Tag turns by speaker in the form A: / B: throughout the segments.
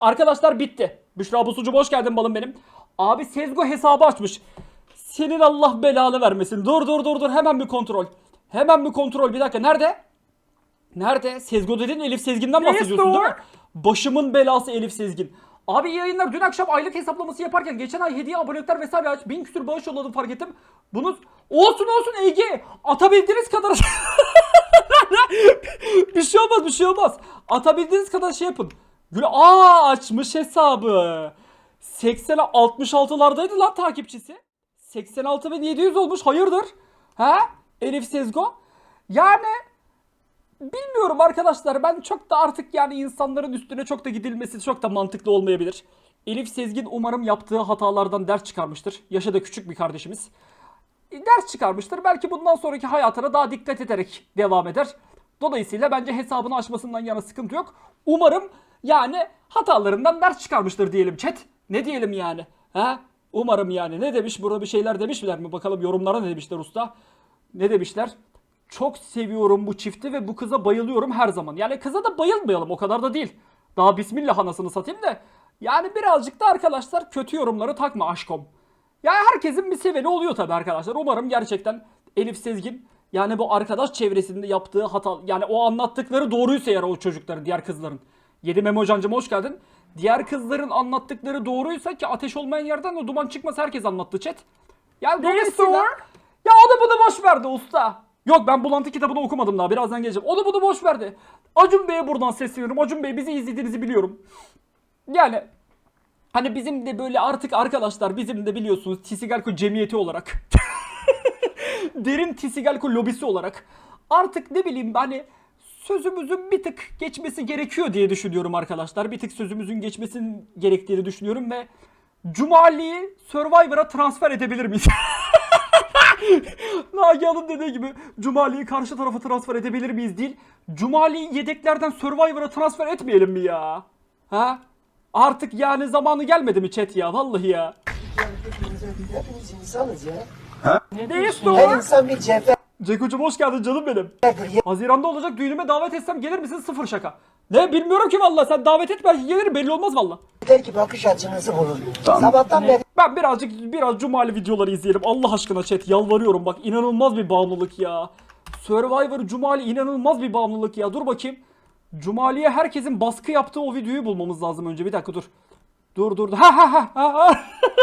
A: Arkadaşlar bitti. Büşra Busucu hoş geldin balım benim. Abi Sezgo hesabı açmış. Senin Allah belanı vermesin. Dur. Hemen bir kontrol. Hemen bir kontrol. Bir dakika. Nerede? Nerede? Sezgo dedin, Elif Sezgin'den bahsediyorsun değil mi? Başımın belası Elif Sezgin. Abi iyi yayınlar. Dün akşam aylık hesaplaması yaparken geçen ay hediye abonelikler vesaire aç. 1000 küsür bağış yolladım fark ettim. Bunu olsun Ege. Atabildiğiniz kadar bir şey olmaz. Atabildiğiniz kadar şey yapın. Açmış hesabı. 66'lardaydı lan takipçisi. 86.700 olmuş. Hayırdır? Ha? Elif Sezgo. Yani bilmiyorum arkadaşlar. Ben çok da artık yani insanların üstüne çok da gidilmesi çok da mantıklı olmayabilir. Elif Sezgin umarım yaptığı hatalardan ders çıkarmıştır. Yaşı da küçük bir kardeşimiz. Ders çıkarmıştır. Belki bundan sonraki hayatına daha dikkat ederek devam eder. Dolayısıyla bence hesabını açmasından yana sıkıntı yok. Umarım yani hatalarından ders çıkarmıştır diyelim chat. Ne diyelim yani? Ha? Umarım yani. Ne demiş? Burada bir şeyler demişler mi? Bakalım yorumlara ne demişler usta? Ne demişler? Çok seviyorum bu çifti ve bu kıza bayılıyorum her zaman. Yani kıza da bayılmayalım, o kadar da değil. Daha bismillah anasını satayım da. Yani birazcık da arkadaşlar kötü yorumları takma aşkom. Ya herkesin bir seveni oluyor tabii arkadaşlar. Umarım gerçekten Elif Sezgin yani bu arkadaş çevresinde yaptığı hata, yani o anlattıkları doğruysa eğer o çocukların, diğer kızların. 7 Memo Cancım hoş geldin. Diğer kızların anlattıkları doğruysa ki ateş olmayan yerden o duman çıkmaz, herkes anlattı chat. Yani dolayısıyla ya onu bunu boş verdi usta. Yok ben Bulantı kitabını okumadım daha, birazdan geleceğim. Onu bunu boş verdi. Acun Bey'e buradan sesleniyorum. Acun Bey, bizi izlediğinizi biliyorum. Yani hani bizim de böyle artık arkadaşlar, bizim de biliyorsunuz Tisigalko cemiyeti olarak derin Tisigalko lobisi olarak artık ne bileyim hani sözümüzün bir tık geçmesi gerekiyor diye düşünüyorum arkadaşlar. Bir tık sözümüzün geçmesinin gerektiğini düşünüyorum ve Cumali'yi Survivor'a transfer edebilir miyiz? Nagihan'ın dediği gibi Cumali'yi karşı tarafa transfer edebilir miyiz değil. Cumali'yi yedeklerden Survivor'a transfer etmeyelim mi ya? Ha? Artık yani zamanı gelmedi mi chat ya? Vallahi ya.
B: Hepimiz insanız ya.
A: Ne diyorsun?
B: Her insan bir cevher.
A: Ceko'cum hoş geldin canım benim. Haziran'da olacak düğünüme davet etsem gelir misin? Sıfır şaka. Ne bilmiyorum ki valla, sen davet et belki gelirim, belli olmaz valla.
B: Belki bakış açınızı bulur. Sabahtan beri
A: Ben biraz Cumali videoları izleyelim Allah aşkına chat, yalvarıyorum bak, inanılmaz bir bağımlılık ya. Survivor Cumali inanılmaz bir bağımlılık ya, dur bakayım. Cumali'ye herkesin baskı yaptığı o videoyu bulmamız lazım önce, bir dakika dur. Dur. Ha.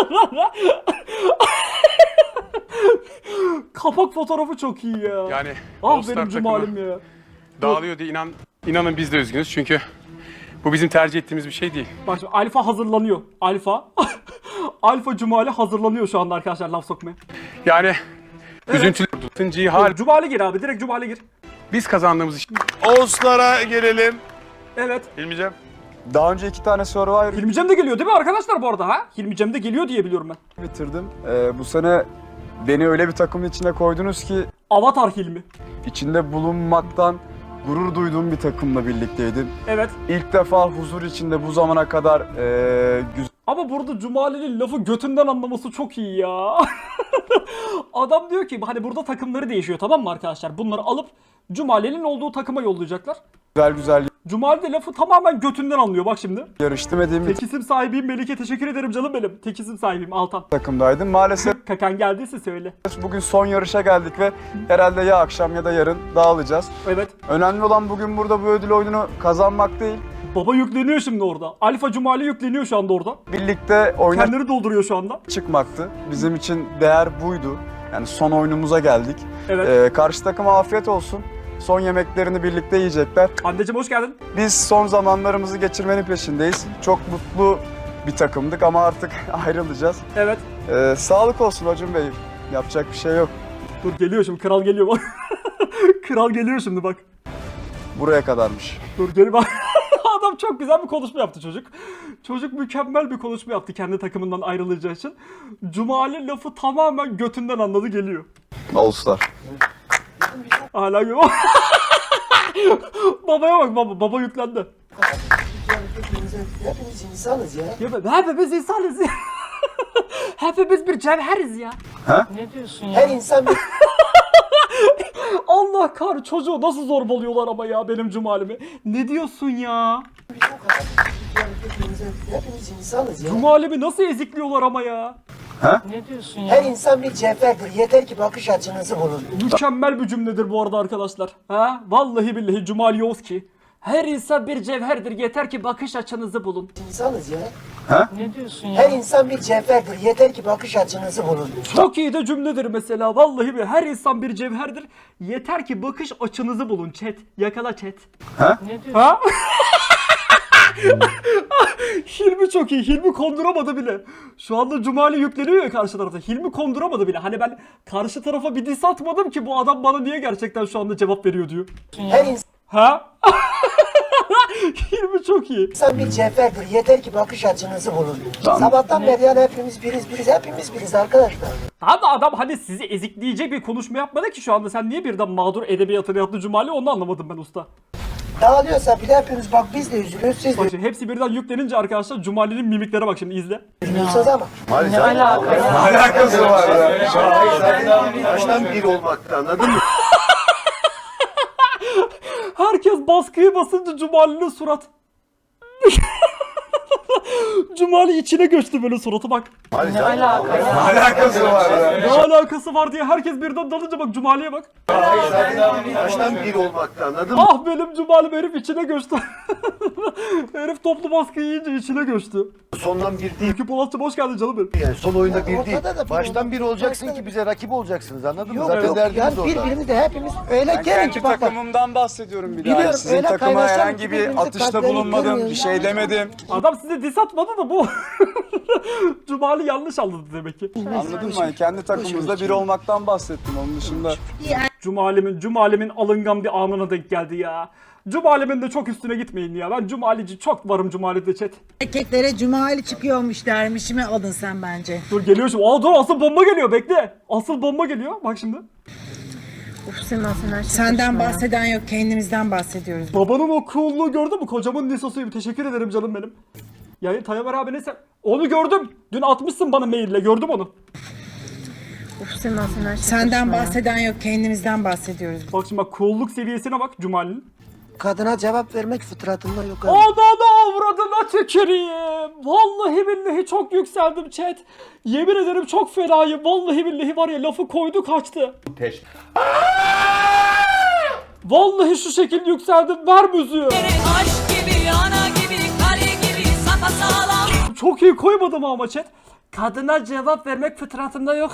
A: Kapak fotoğrafı çok iyi ya.
C: Yani
A: ah
C: All Star
A: benim Cumalim ya.
C: dağılıyor diye inanın biz de üzgünüz çünkü bu bizim tercih ettiğimiz bir şey değil.
A: Bak şimdi Alfa hazırlanıyor. Alfa Cumali hazırlanıyor şu anda arkadaşlar laf sokmaya.
C: Yani üzüntülü. Tıncıyı hal
A: Cumali gir abi, direkt Cumali gir.
C: biz kazandığımız için.
D: Oğuzlar'a gelelim.
A: Evet.
D: Hilmi'cim.
E: Daha önce 2 tane Survivor
A: Hilmi Cem de geliyor değil mi arkadaşlar bu arada ha? Hilmi Cem de geliyor diye biliyorum ben.
E: bitirdim. Bu sene beni öyle bir takımın içine koydunuz ki
A: Avatar Hilmi.
E: içinde bulunmaktan gurur duyduğum bir takımla birlikteydim.
A: Evet.
E: İlk defa huzur içinde bu zamana kadar güzel
A: Ama burada Cumali'nin lafı götünden anlaması çok iyi ya. Adam diyor ki hani burada takımları değişiyor, tamam mı arkadaşlar? Bunları alıp Cumali'nin olduğu takıma yollayacaklar.
E: güzel
A: Cumali de lafı tamamen götünden anlıyor bak şimdi.
E: yarıştım dediğim bir
A: Tek isim sahibiyim Melike, teşekkür ederim canım benim. Tek isim sahibiyim Altan.
E: takımdaydım. Maalesef
A: Kakan geldiyse söyle.
E: bugün son yarışa geldik ve herhalde ya akşam ya da yarın dağılacağız.
A: Evet.
E: Önemli olan bugün burada bu ödül oyununu kazanmak değil.
A: Baba yükleniyor şimdi orada. Alfa Cumali yükleniyor şu anda orada.
E: Birlikte oyuna
A: Kendini dolduruyor şu anda.
E: çıkmaktı. Bizim için değer buydu. Yani son oyunumuza geldik.
A: Evet.
E: Karşı takıma afiyet olsun. Son yemeklerini birlikte yiyecekler.
A: Anneciğim hoş geldin.
E: Biz son zamanlarımızı geçirmenin peşindeyiz. Çok mutlu bir takımdık ama artık ayrılacağız.
A: Evet.
E: Sağlık olsun Acun Bey. Yapacak bir şey yok.
A: Dur geliyor şimdi, kral geliyor bak. Kral geliyor şimdi bak.
E: Buraya kadarmış.
A: Dur gel bak. Adam çok güzel bir konuşma yaptı çocuk. Çocuk mükemmel bir konuşma yaptı kendi takımından ayrılacağı için. Cumali lafı tamamen götünden anladı, geliyor.
E: Olsun.
A: Hala geliyor. Babaya bak, baba yüklendi.
B: hepimiz insanız ya.
A: Ya hepimiz insanız ya. Hepimiz bir cevheriz ya.
B: Her insan bir
A: Allah kahretsin, çocuğu nasıl zorbalıyorlar ama ya benim Cumalimi. Ne diyorsun ya?
B: Hepimiz insanız ya.
A: Cumali'mi nasıl ezikliyorlar ama ya.
F: Ne diyorsun
B: Her
F: ya?
B: insan bir cevherdir. Yeter ki bakış açınızı bulun.
A: Mükemmel bir cümledir bu arada arkadaşlar. Ha? Vallahi billahi Cumali Yozki. Her insan bir cevherdir. Yeter ki bakış açınızı bulun.
B: İnsanız ya.
F: Ne diyorsun
B: Her
F: ya?
B: insan bir cevherdir. Yeter ki bakış açınızı bulun.
A: Çok iyi de cümledir mesela. Vallahi bir her insan bir cevherdir. Yeter ki bakış açınızı bulun chat. Yakala chat.
F: Ne diyorsun?
A: Ha? Hilmi çok iyi. Hilmi konduramadı bile. Şu anda Cumali yükleniyor ya karşı tarafta. Hilmi konduramadı bile. Hani ben karşı tarafa bir diss atmadım ki bu adam bana niye gerçekten şu anda cevap veriyor diyor.
B: Her
A: Ha? Hilmi çok iyi.
B: insan bir cevherdir. Yeter ki bakış açınızı bulun. Sabahtan beri yani hepimiz biriz arkadaşlar.
A: Abi adam hani sizi ezikleyecek bir konuşma yapmadı ki şu anda. Sen niye birden mağdur edebiyatını yaptı Cumali, onu anlamadım ben usta.
B: Dağılıyorsa bile hepimiz bak biz de üzülüyoruz, siz de
A: Bak şimdi hepsi birden yüklenince arkadaşlar Cumali'nin mimiklere bak şimdi izle.
B: üzülüyorsunuz ama.
F: Ne alaka ya?
E: Alakası var ya.
G: Baştan bir olmakta, anladın mı?
A: Herkes baskıyı basınca Cumali'nin surat. Cumali içine göçtü böyle suratı bak.
F: Ne alaka ya?
E: Alakası var ya.
A: Ne alakası var diye herkes birden dalınca bak Cumali'ye bak.
G: Baştan bir olmakta, anladın mı?
A: Ah benim Cumali'm, herif içine göçtü. Herif toplu baskıyı yiyince içine göçtü.
G: Sondan bir değil,
A: Ülkü Polatcığım hoş geldin canım benim.
G: yani son oyunda bir değil.
B: Ortada da
G: Baştan bir olacaksın
B: ortada
G: ki bize rakip olacaksınız, anladın mı?
B: Yok
G: Zaten
B: yok
G: derdimiz
B: yani
G: orada.
B: birbirimizi de hepimiz öyle
E: Ben
B: gelin
E: kendi
B: ki bak bak.
E: takımımdan bahsediyorum bir
B: Biliyorum,
E: daha. Sizin
B: öyle
E: takıma
B: kaynaşalım
E: herhangi
B: ki
E: bir
B: birbirimizi
E: atışta
B: kalplerini
E: bulunmadım,
B: kırmıyoruz.
E: bir şey demedim.
A: Adam size diss atmadı da bu. Cumali yanlış anladı demek ki.
E: Anladın mı? Kendi takımımızda biri olmaktan bahsettim, onun dışında.
A: Cumali'min alıngan bir anına denk geldi ya. Cumali'min de çok üstüne gitmeyin ya. Ben Cumali'ci çok varım Cumali'de chat.
H: Erkeklere cumali çıkıyormuş dermişime alın sen bence.
A: Dur geliyor şimdi. Aa dur, asıl bomba geliyor, bekle. Asıl bomba geliyor. Bak şimdi.
H: Senden bahseden yok, kendimizden bahsediyoruz.
A: Babanın o cool'luğu gördün mü? Kocamın lisosuyum. Teşekkür ederim canım benim. Yani Tayyip abi neyse. Onu gördüm. Dün atmışsın bana maille. Gördüm onu.
H: Senden bahseden yok, kendimizden bahsediyoruz.
A: Bak şimdi bak, cool'luk seviyesine bak Cumali'nin.
B: Kadına cevap vermek fıtratında yok abi.
A: Ananı avradına tüküreyim. Vallahi billahi çok yükseldim chat. Yemin ederim çok fenayım. Vallahi billahi var ya, lafı koydu kaçtı. Vallahi şu şekilde yükseldim. Ver müziği.
I: Aşk gibi, ana gibi, kale gibi, sapasağlam.
A: Çok iyi koymadım ama chat. Kadına cevap vermek fıtratımda yok.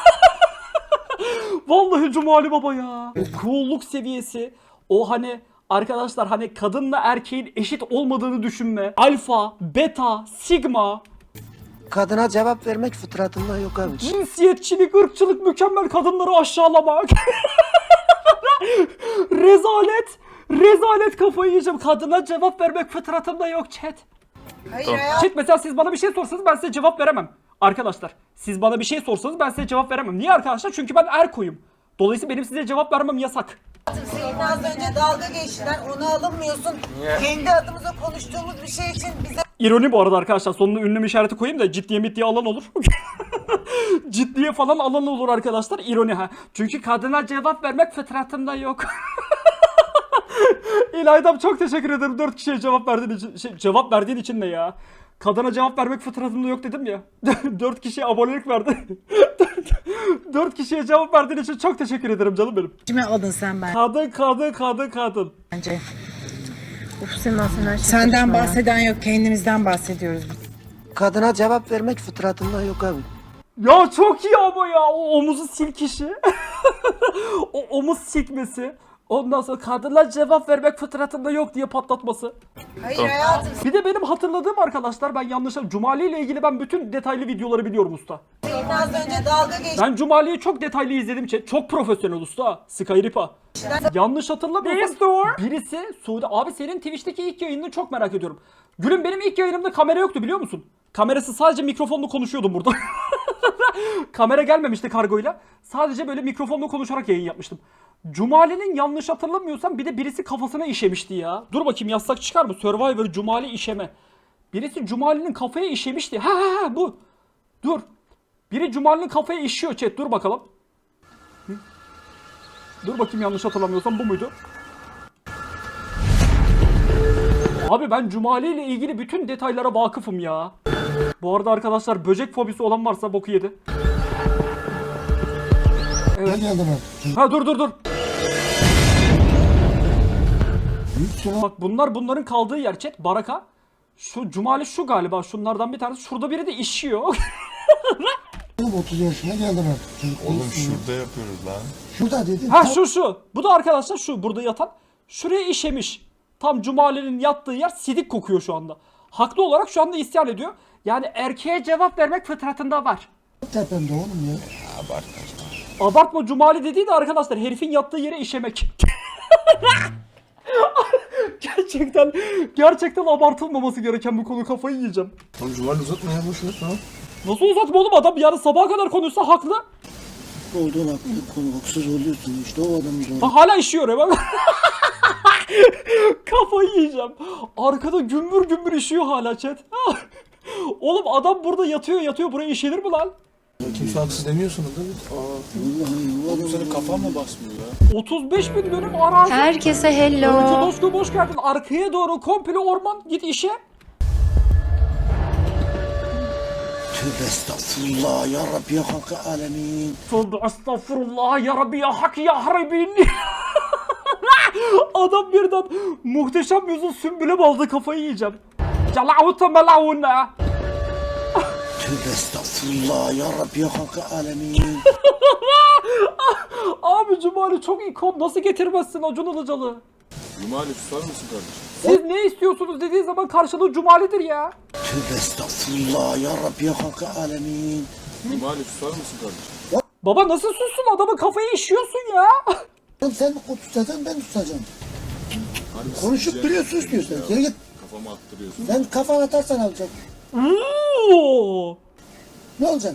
A: Vallahi Cumali Baba ya. O cool'luk seviyesi. O hani arkadaşlar, hani kadınla erkeğin eşit olmadığını düşünme. Alfa, beta, sigma.
B: Kadına cevap vermek fıtratında yok abi.
A: Cinsiyetçilik, ırkçılık, mükemmel kadınları aşağılamak. Rezalet. Rezalet, kafayı yiyeceğim. Kadına cevap vermek fıtratımda yok chat.
H: Hayır hayat.
A: Chat mesela siz bana bir şey sorsanız ben size cevap veremem. Arkadaşlar siz bana bir şey sorsanız ben size cevap veremem. Niye arkadaşlar? Çünkü ben erkoyum. Dolayısıyla benim size cevap vermem yasak.
H: Senin az önce dalga geçtiler, ona alınmıyorsun. Kendi adımıza konuştuğumuz bir şey için bize...
A: İroni bu arada arkadaşlar. Sonuna ünlem işareti koyayım da ciddiye mittiye alan olur. Ciddiye falan alan olur arkadaşlar. İroni ha. Çünkü kadına cevap vermek fıtratımda yok. İlaydam çok teşekkür ederim 4 kişiye cevap verdiğin için. Cevap verdiğin için ne ya? Kadına cevap vermek fıtratımda yok dedim ya. 4 kişiye abonelik verdi. 4 kişiye cevap verdiğin için çok teşekkür ederim canım benim.
H: Kime alın sen
A: Kadın.
H: bence. Senden bahseden yok, kendimizden bahsediyoruz.
B: Kadına cevap vermek fıtratında yok abi.
A: Ya çok iyi ama ya, o omuzu silkişi. O omuz silkmesi. Ondan sonra kadınlar cevap vermek fıtratında yok diye patlatması.
H: Hayır hayatım.
A: Bir de benim hatırladığım arkadaşlar, ben yanlışım. Cumali ile ilgili ben bütün detaylı videoları biliyorum usta.
H: Senin az önce dalga geçtiler.
A: Ben Cumali'yi çok detaylı izledim. Çok profesyonel usta. Skyripa. Yanlış hatırlamıyorsam birisi Suudi. Abi senin Twitch'teki ilk yayınını çok merak ediyorum. Gülüm benim ilk yayınımda kamera yoktu biliyor musun? Kamerası sadece mikrofonla konuşuyordum burada. Kamera gelmemişti kargoyla. Sadece böyle mikrofonla konuşarak yayın yapmıştım. Cumali'nin yanlış hatırlamıyorsam bir de birisi kafasına işemişti ya. Dur bakayım, yazsak çıkar mı? Survivor Cumali işeme. Birisi Cumali'nin kafaya işemişti. Ha bu. Dur. Biri Cumali'nin kafaya işiyor chat. Dur bakalım. Hı? Dur bakayım, yanlış hatırlamıyorsam bu muydu? Abi ben Cumali ile ilgili bütün detaylara vakıfım ya. Bu arada arkadaşlar böcek fobisi olan varsa boku yedi. Evet. Ha dur. Bak bunların kaldığı yer chat. Baraka. Şu Cumali şu galiba. Şunlardan bir tanesi. Şurada biri de işiyor.
B: 30 yaşına geldim artık.
D: Oğlum şurada yapıyoruz lan.
B: Şurada dedim.
A: Ha şu. Bu da arkadaşlar şu burada yatan. Şuraya işemiş. Tam Cumali'nin yattığı yer sidik kokuyor şu anda. Haklı olarak şu anda isyan ediyor. Yani erkeğe cevap vermek fıtratında var.
B: Tepemde oğlum ya.
A: Abartma Cumali dediği de arkadaşlar herifin yattığı yere işemek. gerçekten abartılmaması gereken bu konu, kafayı yiyeceğim.
G: Oğlum Cumali uzatma ya boş ver tamam.
A: Nasıl uzatma oğlum, adam yani sabaha kadar konuşsa haklı.
B: Olduğun haklı konu haksız oluyorsun işte o adamın doğru.
A: Bak hala işiyor hemen. Kafayı yiyeceğim. Arkada gümbür gümbür işiyor hala chat. Oğlum adam burada yatıyor buraya işenir mi lan?
G: Kimse haksız demiyorsunuz değil mi? Oğlum senin kafan mı basmıyor ya?
A: 35 bin dönüm arazi.
F: Herkese
A: Önce
F: hello.
A: Doşku boş geldin. Arkaya doğru komple orman, git işe.
B: Tövbe estağfurullah ya Rabbi ya Hakkı alemin.
A: Tövbe estağfurullah ya Rabbi ya hak ya haribin. Adam birden muhteşem yüzün sümbüle baldı, kafayı yiyeceğim. Calavuta melavuna.
B: Tövbe estağfurullah ya Rabbi ya Hakkı alemin.
A: Abi Cumali çok ikon, nasıl getirmezsin Acun Ilıcalı?
D: Cumali susar mısın kardeşim?
A: Siz ne istiyorsunuz dediği zaman karşılığı Cumali'dir ya.
B: Tövbe estağfurullah ya Rabbi ya Hakkı alemin.
D: Cumali susar mısın kardeşim?
A: Baba nasıl sussun, adamın kafayı işiyorsun ya.
B: Sen tutacaksın ben tutacağım. Konuşup duruyorsun istiyorsan. Geri git.
D: Kafama attırıyorsun.
B: Sen kafana atarsan alacak.
A: Oo.
B: Ne olacak?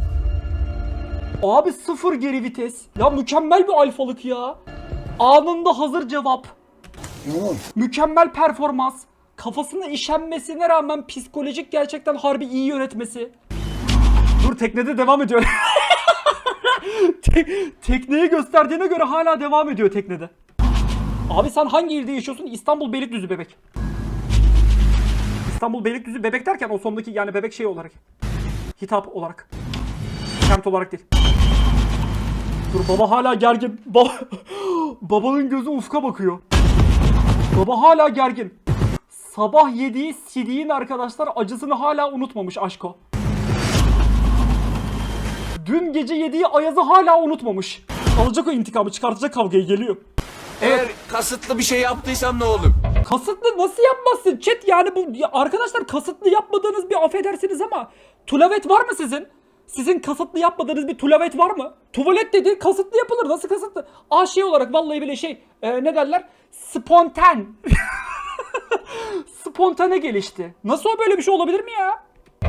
A: Abi sıfır geri vites. Ya mükemmel bir alfalık ya. Anında hazır cevap.
B: Tamam.
A: Mükemmel performans. Kafasına işenmesine rağmen psikolojik gerçekten harbi iyi yönetmesi. Dur, teknede devam ediyor. Tekneyi gösterdiğine göre hala devam ediyor teknede. Abi sen hangi ilde yaşıyorsun? İstanbul Beylikdüzü bebek. İstanbul Beylikdüzü bebek derken o sondaki yani bebek şey olarak. Hitap olarak. Semt olarak değil. Dur, baba hala gergin. Babanın gözü ufka bakıyor. Baba hala gergin. Sabah yediği sidiğin arkadaşlar acısını hala unutmamış aşko. Dün gece yediği ayazı hala unutmamış. Alacak o intikamı, çıkartacak kavgayı, geliyor.
J: Eğer kasıtlı bir şey yaptıysam ne olur?
A: Kasıtlı nasıl yapmazsın? Chat yani bu ya arkadaşlar, kasıtlı yapmadığınız bir affedersiniz ama tulavet var mı sizin? Sizin kasıtlı yapmadığınız bir tulavet var mı? Tuvalet dedi kasıtlı yapılır. Nasıl kasıtlı? Şey olarak vallahi bile ne derler? Spontan. Spontane gelişti. Nasıl o, böyle bir şey olabilir mi ya?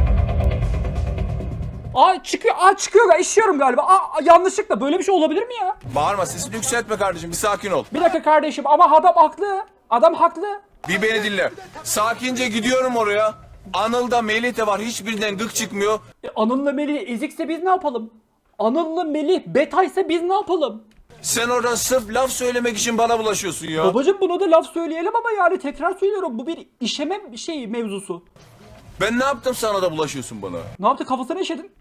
A: Çıkıyor. İşiyorum galiba. Yanlışlıkla böyle bir şey olabilir mi ya?
J: Bağırma, sesini yükseltme kardeşim, bir sakin ol.
A: Bir dakika kardeşim ama adam haklı. Adam haklı.
J: Bir beni dinle. Sakince gidiyorum oraya. Anıl'da Melih de var, hiçbirinden gık çıkmıyor.
A: Anıl'la Melih ezikse biz ne yapalım? Anıl'la Melih betaysa biz ne yapalım?
J: Sen oradan sırf laf söylemek için bana bulaşıyorsun ya.
A: Babacım buna da laf söyleyelim ama yani tekrar söylüyorum, bu bir işeme mevzusu.
J: Ben ne yaptım sana da bulaşıyorsun bana?
A: Ne yaptı, kafasına işedin?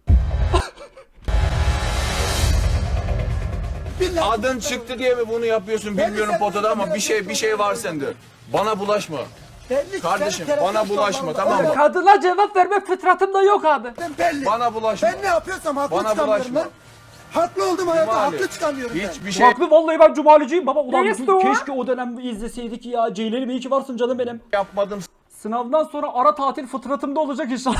J: Adın çıktı diye mi bunu yapıyorsun bilmiyorum potada ama bir şey var sende. Bana bulaşma. Kardeşim bana bulaşma, tamam mı?
A: Kadına cevap verme fıtratımda yok abi.
B: Belli.
J: Bana bulaşma.
B: Ben ne yapıyorsam haklı
J: Bana
B: çıkamıyorum
J: bulaşma.
B: ben. Haklı oldum hayatta
J: Cumali,
B: haklı çıkamıyorum ben.
J: hiçbir şey
A: Haklı vallahi, ben Cumaliciyim baba. Ulan
F: Neresi o?
A: keşke o dönem izleseydik ya. Ceylenim iyi ki varsın canım benim.
J: yapmadım.
A: Sınavdan sonra ara tatil fıtratımda olacak inşallah.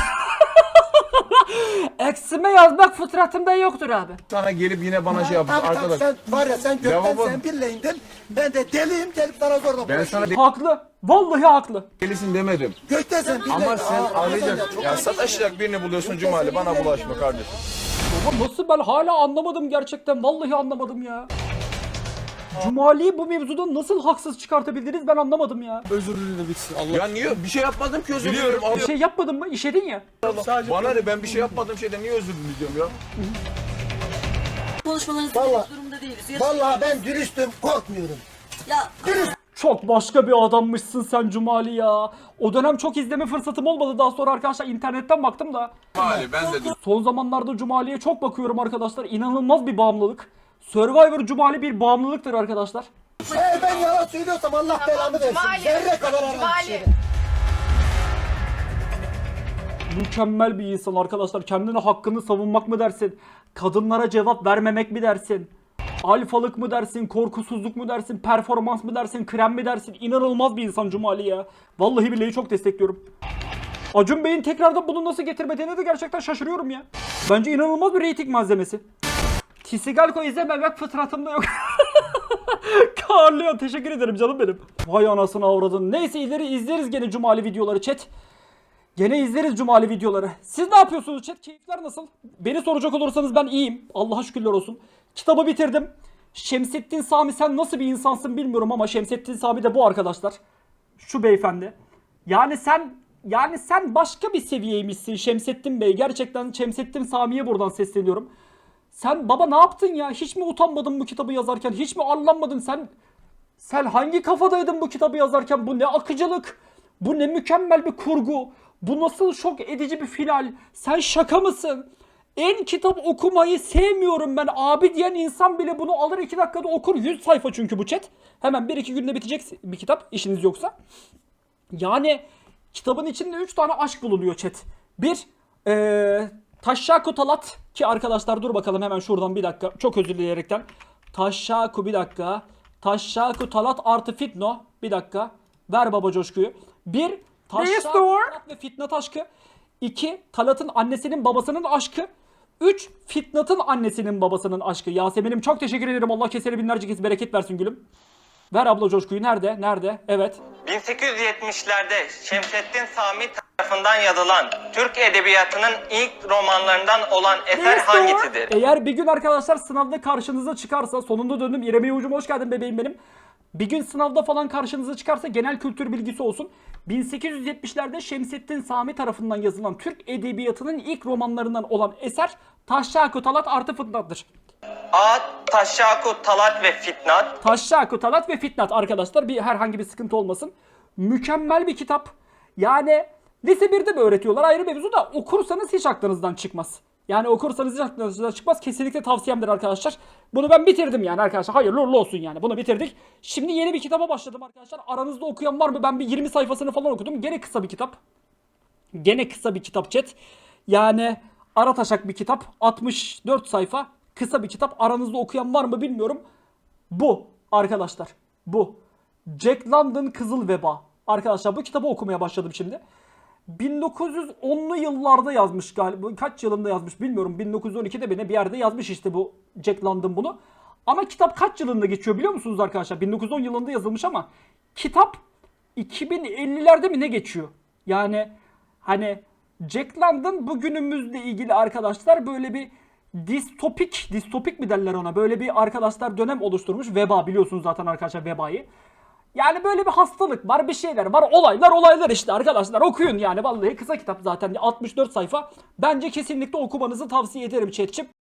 A: Eksime yazmak fıtratımda yoktur abi.
J: Sana gelip yine bana şey yapıyorsun
B: Tabii,
J: arkadaş.
B: sen var ya sen gökten
J: Lavabo.
B: sen birleyindin. Ben de deliyim gelip sana zorla
J: Ben sana
A: Haklı. Vallahi haklı.
J: delisin demedim.
B: Gökten sen birleyin.
J: Ama sen arayacaksın. Ya sataşacak birini buluyorsun Cumali, bana bulaşma kardeşim.
A: Baba nasıl, ben hala anlamadım gerçekten. Vallahi anlamadım ya. Cumali'yi bu mevzuda nasıl haksız çıkartabildiniz ben anlamadım ya.
G: Özür dilerim bitsin. Allah.
J: Ya niye? Bir şey yapmadım ki, özür diliyorum.
A: Bir şey yapmadın mı? İşedin ya.
J: Bana ne, ben bir şey yapmadığım şeyden niye özür diliyorum ya?
H: Konuşmalarınızı
B: Vallahi-
H: durumda değiliz.
B: Vallahi ben dürüstüm korkmuyorum.
H: Ya
A: Çok başka bir adammışsın sen Cumali ya. O dönem çok izleme fırsatım olmadı. Daha sonra arkadaşlar internetten baktım da.
J: Cumali ben de
A: Son zamanlarda Cumali'ye çok bakıyorum arkadaşlar. İnanılmaz bir bağımlılık. Survivor Cumali bir bağımlılıktır arkadaşlar.
B: Eğer ben yalan söylüyorsam Allah belamı versin. Zerre kadar herhangi bir şeyde.
A: Mükemmel bir insan arkadaşlar. Kendine hakkını savunmak mı dersin? Kadınlara cevap vermemek mi dersin? Alfalık mı dersin? Korkusuzluk mu dersin? Performans mı dersin? Krem mi dersin? İnanılmaz bir insan Cumali ya. Vallahi billahi çok destekliyorum. Acun Bey'in tekrardan bunu nasıl getirmediğine de gerçekten şaşırıyorum ya. Bence inanılmaz bir reyting malzemesi. Tisigalko izlememek fıtratımda yok. Karlıyor. Teşekkür ederim canım benim. Vay anasını avradın. Neyse ileri izleriz gene Cumali videoları chat. Gene izleriz Cumali videoları. Siz ne yapıyorsunuz chat? Keyifler nasıl? Beni soracak olursanız ben iyiyim. Allah'a şükürler olsun. Kitabı bitirdim. Şemsettin Sami sen nasıl bir insansın bilmiyorum ama Şemsettin Sami de bu arkadaşlar. Şu beyefendi. Yani sen başka bir seviyeymişsin Şemsettin Bey. Gerçekten Şemsettin Sami'ye buradan sesleniyorum. Sen baba ne yaptın ya? Hiç mi utanmadın bu kitabı yazarken? Hiç mi arlanmadın sen? Sen hangi kafadaydın bu kitabı yazarken? Bu ne akıcılık? Bu ne mükemmel bir kurgu? Bu nasıl şok edici bir final? Sen şaka mısın? En kitap okumayı sevmiyorum ben. Abi diyen insan bile bunu alır 2 dakikada okur. 100 sayfa çünkü bu chat. Hemen 1-2 günde bitecek bir kitap işiniz yoksa. Yani kitabın içinde 3 tane aşk bulunuyor chat. Bir, Taşşaku Talat ki arkadaşlar dur bakalım hemen şuradan bir dakika. Çok özür dileyerekten. Taşşaku bir dakika. Taşşaku Talat artı Fitno. Bir dakika. Ver baba coşkuyu. Bir, Taşşaku Talat ve Fitnat aşkı. 2, Talat'ın annesinin babasının aşkı. 3, Fitnat'ın annesinin babasının aşkı. Yasemin'im çok teşekkür ederim. Allah keseri binlerce kez bereket versin gülüm. Ver abla coşkuyu. Nerede? Nerede? Evet.
K: 1870'lerde Şemsettin Sami tarafından yazılan Türk Edebiyatı'nın ilk romanlarından olan eser hangisidir?
A: Eğer bir gün arkadaşlar sınavda karşınıza çıkarsa, sonunda döndüm İrem Yavuz'um hoş geldin bebeğim benim. Bir gün sınavda falan karşınıza çıkarsa genel kültür bilgisi olsun. 1870'lerde Şemsettin Sami tarafından yazılan Türk Edebiyatı'nın ilk romanlarından olan eser Taşşaku Talat artı Fitnat'tır.
K: A. Taşşaku Talat ve Fitnat.
A: Taşşaku Talat ve Fitnat arkadaşlar, herhangi bir sıkıntı olmasın. Mükemmel bir kitap. Yani lise 1'de mi öğretiyorlar ayrı mevzu da okursanız hiç aklınızdan çıkmaz. Yani okursanız hiç aklınızdan çıkmaz. Kesinlikle tavsiyemdir arkadaşlar. Bunu ben bitirdim yani arkadaşlar. Hayırlı uğurlu olsun yani. Bunu bitirdik. Şimdi yeni bir kitaba başladım arkadaşlar. Aranızda okuyan var mı? Ben bir 20 sayfasını falan okudum. Gene kısa bir kitap. Gene kısa bir kitap chat. Yani ara taşak bir kitap. 64 sayfa. Kısa bir kitap. Aranızda okuyan var mı bilmiyorum. Bu arkadaşlar. Bu. Jack London Kızıl Veba. Arkadaşlar bu kitabı okumaya başladım şimdi. 1910'lu yıllarda yazmış galiba. Kaç yılında yazmış bilmiyorum. 1912'de mi ne bir yerde yazmış işte bu Jack London bunu. Ama kitap kaç yılında geçiyor biliyor musunuz arkadaşlar? 1910 yılında yazılmış ama kitap 2050'lerde mi ne geçiyor? Yani hani Jack London bugünümüzle ilgili arkadaşlar böyle bir distopik mi derler ona? Böyle bir arkadaşlar dönem oluşturmuş. Veba biliyorsunuz zaten arkadaşlar vebayı. Yani böyle bir hastalık var, bir şeyler var, olaylar işte arkadaşlar okuyun yani vallahi kısa kitap zaten 64 sayfa. Bence kesinlikle okumanızı tavsiye ederim chat'ciğim.